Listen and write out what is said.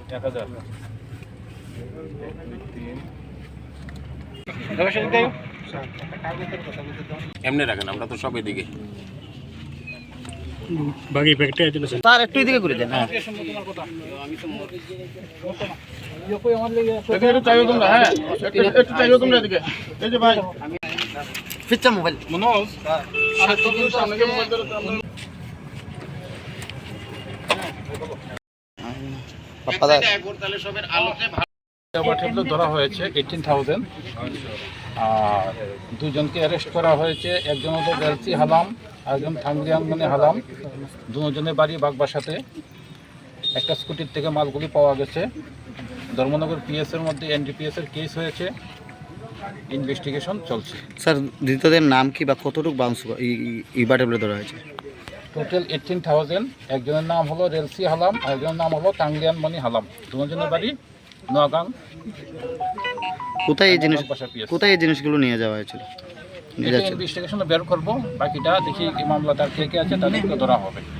1000 এমনি রাখেন, আমরা তো সব এদিকে বাকি প্যাকেটে আছে স্যার একটু এদিকে করে দেন। হ্যাঁ একটু চাইও তোমরা, হ্যাঁ একটু চাইও তোমরা এদিকে। এই যে ভাই ফিচ্ছা মোবাইল মনোজ, আর তো কিন্তু সামনে মোবাইল ধরে তো আমরা ধরা হয়েছে 18,000। আর দুজনকে অ্যারেস্ট করা হয়েছে। একজন হলো বেলসি হালাম, একজন থাংরিয়াং মানে হালাম। দুজনের বাড়ি বাগবাসাতে। একটা স্কুটির থেকে মালগুলি পাওয়া গেছে। ধর্মনগর পিএসের মধ্যে এনডিপিএস এর কেস হয়েছে, ইনভেস্টিগেশন চলছে। স্যার ধৃতদের নাম কি বা কতটুকু বাউন্স ইবাটে বলে ধরা হয়েছে? টোটাল 18,000। একজনের নাম হলো রেলসি হালাম, আর একজনের নাম হলো তাংলিয়ান মনি হালাম। দুজনের বাড়ি নোয়াগাং। কোথায় এই জিনিসগুলো নিয়ে যাওয়া হয়েছিল? ইনভেস্টিগেশনে বের করবো, বাকিটা দেখি এই মামলা তার কে কে আছে তাদেরকে ধরা হবে।